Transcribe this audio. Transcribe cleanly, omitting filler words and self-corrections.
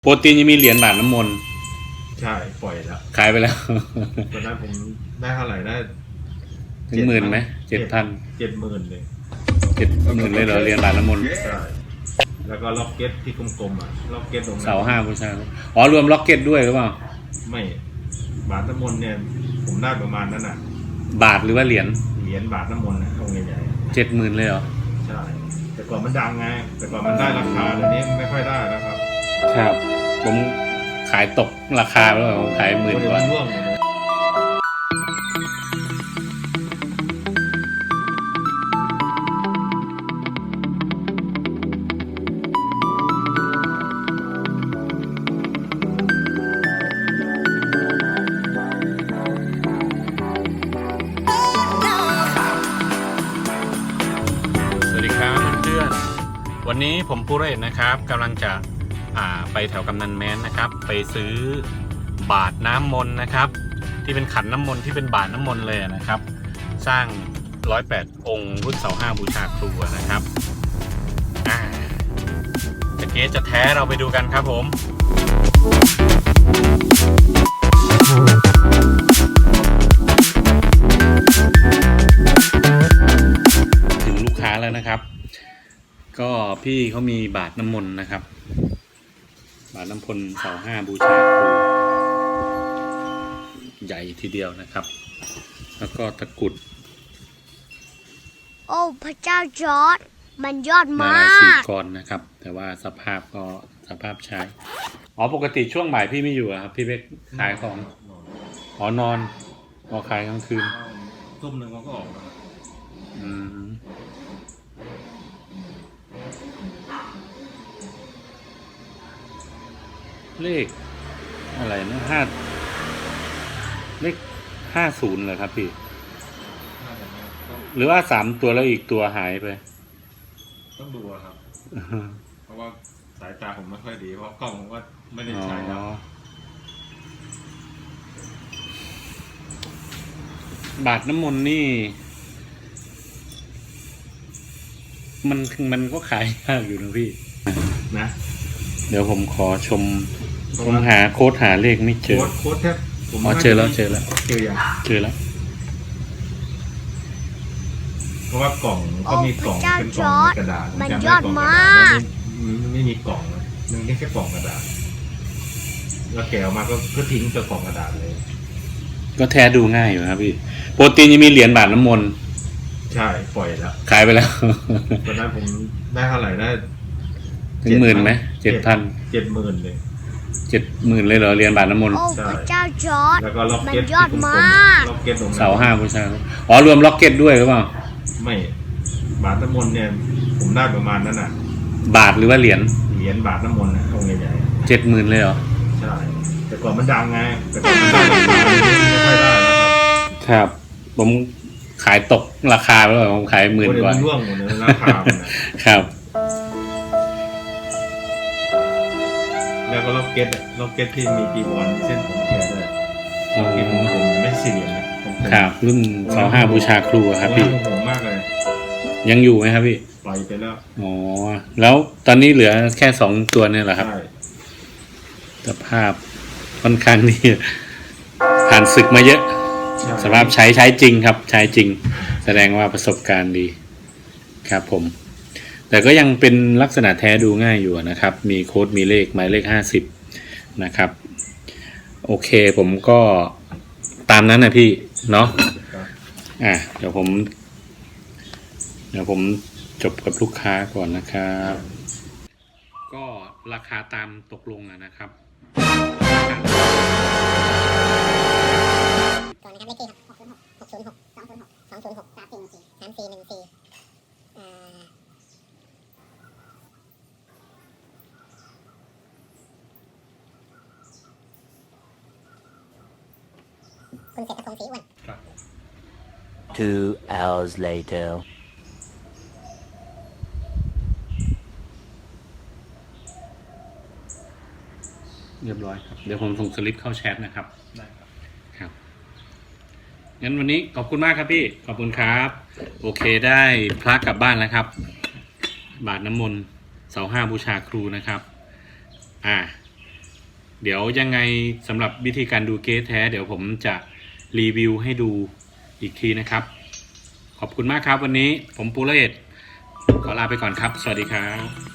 โปรตีนยังมีเหรียญบาทน้ำมนต์ใช่ปล่อยแล้วขายไปแล้วตอนนั้นผมได้เท่าไหร่ได้ถึง10,000ไหม7,000 70,000เลย 70,000เลยเหรอเหรียญบาทน้ำมนต์ใช่แล้วก็ล็อกเก็ตที่กลมๆอ่ะล็อกเก็ตตรงนั้นเสา5บูชาอ๋อรวมล็อกเก็ตด้วยหรือเปล่าไม่บาทน้ำมนต์เนี่ยผมได้ประมาณนั้นอ่ะบาทหรือว่าเหรียญบาทน้ำมนต์นะองค์ใหญ่ 70,000เลยเหรอใช่แต่ก่อนมันดังไงแต่ก่อนมันได้ราคาเดี๋ยวนี้ไม่ค่อยได้แล้วครับครับผมขายตกราคาแล้วผมขาย10,000 กว่าวันนี้ผมปูเรศนะครับกำลังจะไปแถวกำนันแม้นนะครับไปซื้อบาทน้ำมนต์นะครับที่เป็นขันน้ำมนต์ที่เป็นบาทน้ำมนต์เลยนะครับสร้าง108 องค์รุ่นเสา5บูชาครูนะครับจะเก๊จะแท้เราไปดูกันครับผมถึงลูกค้าแล้วนะครับก็พี่เขามีบาทน้ำมนต์นะครับบาทน้ำมนต์เสา5บูชาครูใหญ่ทีเดียวนะครับแล้วก็ตะกุดโอ้พระเจ้าจอร์จมันยอดมาก 4 กรนะครับแต่ว่าสภาพก็สภาพใช้ปกติช่วงบ่ายพี่ไม่อยู่ครับพี่ไปขายของนอนขายกลางคืนทุ่มหนึ่งเขาก็ออกแล้วเลขอะไรนะเลข50เลยครับพี่หรือว่า3 ตัวแล้วอีกตัวหายไปต้องดูครับเพราะว่าสายตาผมไม่ค่อยดีเพราะกล้องผมว่าไม่ได้ใช้แล้วบาทน้ำมนต์นี่มันก็ขายยากอยู่นะพี่นะเดี๋ยวผมขอผมหาโค้ดหาเลขไม่เจอโค้ดแทบเจอแล้วเจอแล้วเพราะว่ากล่องก็มีกล่องเป็นกล่องกระดาษมันยอดมากมันไม่มีกล่องเลยมันแค่กล่องกระดาษแล้วแกะออกมาก็ทิ้งตัวกล่องกระดาษเลยก็แท้ดูง่ายอยู่ครับพี่โปรตีนยังมีเหรียญบาทน้ำมนต์ใช่ปล่อยแล้วขายไปแล้วตอนนั้นผมได้เท่าไหร่ได้ถึง10,000ไหม 70,000เลย 70,000เลยเหรอเหรียญบาทน้ำมนต์โอ้พระเจ้าจอร์จแล้วก็ล็อกมัเก็ตยอดมากล็อกเก็ตตรงนั้นเสา5บูชาอ๋อรวมล็อกเก็ตด้วยหรือเปล่าไม่บาทน้ำมนต์เนี่ยผมได้ประมาณนั้นบาทหรือว่าเหรียญบาทน้ำมนต์นะองค์ใหญ่ 70,000เลยเหรอใช่แต่ก่อนมันดังไงแต่ก่อนมันได้ราคาไม่ค่อยได้ครับผมขายตกราคาแล้วผมขาย10,000 กว่าร่วงหมดเลยราคาครับแล้วก็ล็อกเก็ตที่มีจีวรเส้นผมแกด้วยล็อกเก็ตของผมไม่4 เหรียญนะครับรุ่นเสา5บูชาครูครับพี่ผมมากเลยยังอยู่ไหมครับพี่ปล่อยไปแล้วแล้วตอนนี้เหลือแค่2 ตัวเนี่ยแหละครับสภาพค่อนข้างนี่ผ่านศึกมาเยอะสภาพใช้จริงครับใช้จริงแสดงว่าประสบการณ์ดีครับผมแต่ก็ยังเป็นลักษณะแท้ดูง่ายอยู่นะครับมีโค้ดมีเลขหมายเลข50นะครับโอเคผมก็ตามนั้นนะพี่เนาะเดี๋ยวผมจบกับลูกค้าก่อนนะครับก็ราคาตามตกลงนะครับก่อนนะครับเลขที่ครับ606 206 206 344 3414คุณเศรษฐพงศ์ศรีอ้วน 2 hours later เรียบร้อยครับเดี๋ยวผมส่งสลิปเข้าแชทนะครับได้ครับงั้นวันนี้ขอบคุณมากครับพี่ขอบคุณครับโอเคได้พระกลับบ้านแล้วครับบาทน้ำมนต์เสา5บูชาครูนะครับเดี๋ยวยังไงสำหรับวิธีการดูเก๊แท้เดี๋ยวผมจะรีวิวให้ดูอีกทีนะครับ ขอบคุณมากครับวันนี้ผมปูเลศขอลาไปก่อนครับสวัสดีครับ